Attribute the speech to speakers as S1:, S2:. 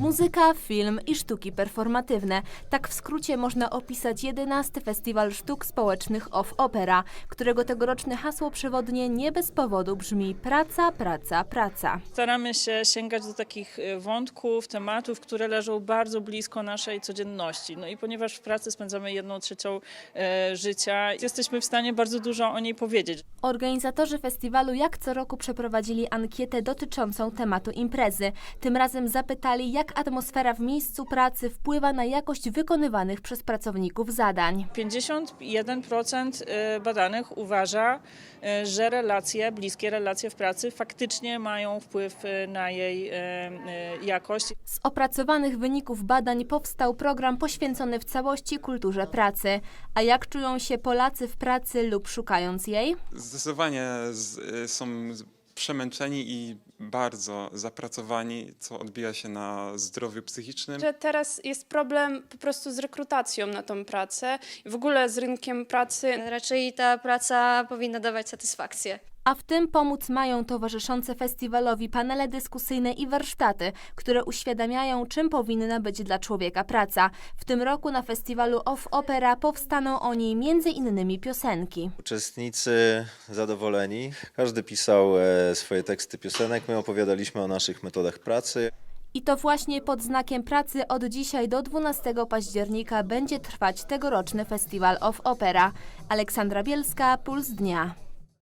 S1: Muzyka, film i sztuki performatywne. Tak w skrócie można opisać 11. Festiwal Sztuk Społecznych Off Opera, którego tegoroczne hasło przewodnie nie bez powodu brzmi praca, praca, praca.
S2: Staramy się sięgać do takich wątków, tematów, które leżą bardzo blisko naszej codzienności. No i ponieważ w pracy spędzamy 1/3 życia, jesteśmy w stanie bardzo dużo o niej powiedzieć.
S1: Organizatorzy festiwalu jak co roku przeprowadzili ankietę dotyczącą tematu imprezy. Tym razem zapytali, jak atmosfera w miejscu pracy wpływa na jakość wykonywanych przez pracowników zadań.
S2: 51% badanych uważa, że bliskie relacje w pracy faktycznie mają wpływ na jej jakość.
S1: Z opracowanych wyników badań powstał program poświęcony w całości kulturze pracy. A jak czują się Polacy w pracy lub szukając jej?
S3: Zdecydowanie są przemęczeni i bardzo zapracowani, co odbija się na zdrowiu psychicznym.
S4: Że teraz jest problem po prostu z rekrutacją na tą pracę i w ogóle z rynkiem pracy.
S5: Raczej ta praca powinna dawać satysfakcję.
S1: A w tym pomóc mają towarzyszące festiwalowi panele dyskusyjne i warsztaty, które uświadamiają, czym powinna być dla człowieka praca. W tym roku na festiwalu Off Opera powstaną o niej m.in. piosenki.
S6: Uczestnicy zadowoleni. Każdy pisał swoje teksty piosenek. My opowiadaliśmy o naszych metodach pracy.
S1: I to właśnie pod znakiem pracy od dzisiaj do 12 października będzie trwać tegoroczny festiwal Off Opera. Aleksandra Bielska, Puls Dnia.